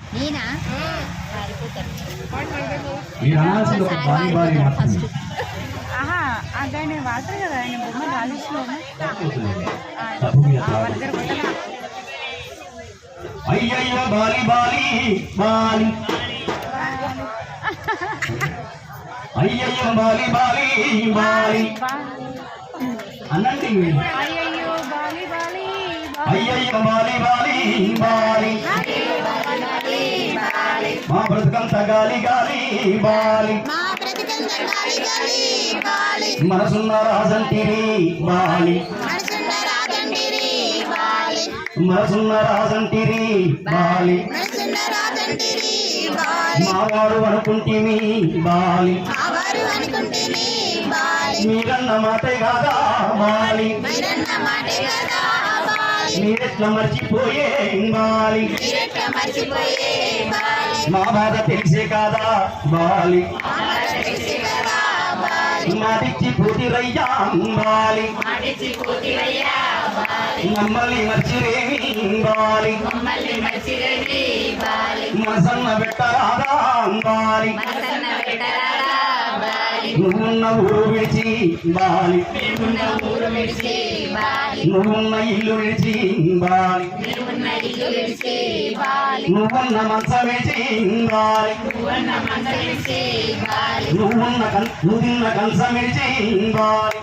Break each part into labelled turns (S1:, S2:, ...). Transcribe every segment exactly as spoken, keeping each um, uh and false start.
S1: నేనా
S2: ఆహా ఆయన వాడతారు కదా ఆయన బొమ్మ రాజేష్లో
S3: అయ్యయ్యో బాలి బాలి బాలి అయ్యయ్యో బాలి బాలి బాలి అనండి
S2: అయ్యయ్యో బాలి బాలి
S3: అయ్యయ్యో బాలి బాలి బాలి మా బ్రతుకంత గాలి గాలి బాలి మనసున్న రాజంటిరి బాలి మనసున్న రాజంటిరి బాలి మావారు అనుకుంటేమి బాలి మీరన్న మాటే కాదా బాలి మీరెట్లా మర్చిపోయే బాలి మా బాధ తెలిసే కాదా బాలి మాటిచ్చి పోతిరయ్యా బాలి మమ్మల్ని మర్చిరేమి బాలి మనసన్న పెట్టరాదా బాలి నువ్వున్న ఊరు విడిచి బాలి నువ్వున్న ఇల్లు విడిచి బాలి నువ్వున్న మంచం విడిచి బాలి నువ్వున్న నువ్వున్న కంచం విడిచి బాలి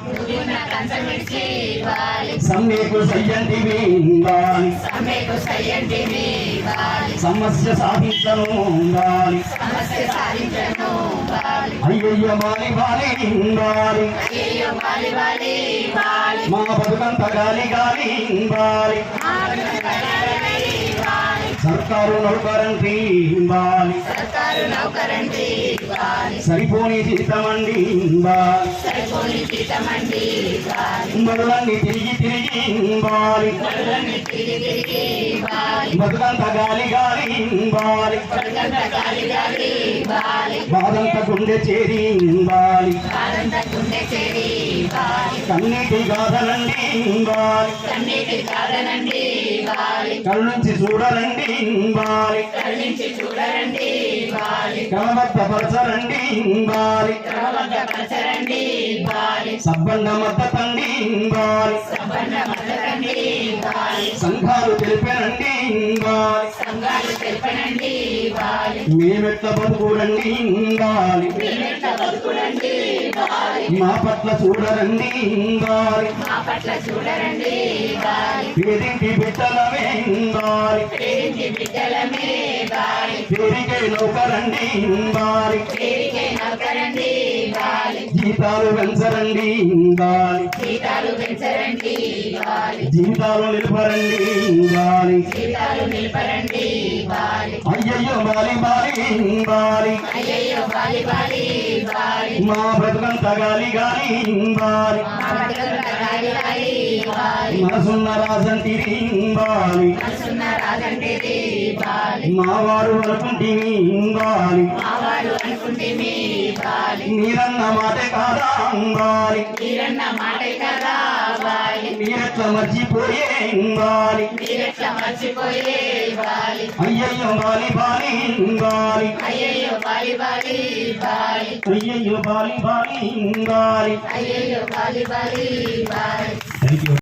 S3: సమ్మెకు సయ్యంటివి బాలి సమస్య సాధించను బాలి అయ్యయ్య బాలి బాలి బాలి మా బతుకంత గాలి గాలి బాలి సర్కారు నౌకరంటి బాలి సరిపోని జీతమండి బాలి మరులన్నీ తిరిగి తిరిగి బాలి బతుకంత గాలి గాలి బాలి బాదంత గుండె చేరి బాలి కన్నీటి గాథనండి బాలి కళ్ళు నుంచి చూడరండి బాలి క్రమబద్ధపరచరండి బాలి సబ్బండ మద్దతండి బాలి సంఘాలు తెలిపనండి బాలి మేమెట్ల బతుకురండి బాలి మా పట్ల చూడరండి బాలి పేరింటి బిడ్డలమే బాలి పేరికే నౌకరండి బాలి జీతాలు పెంచరండి బాలి జీతాలు నిలపరండి బాలి అయ్యయ్యో బాలి బాలి బాలి మా బ్రతుకంత గాలి గాలి బాలి మనసున్న రాజంటిరి బాలి మావారు అనుకుంటేమి బాలి మీరన్న మాటే కాదా బాలి మీరెట్లా మర్చిపోయే బాలి అయ్యయ్యో బాలి బాలి బాలి అయ్యయ్యో బాలి బాలి బాలి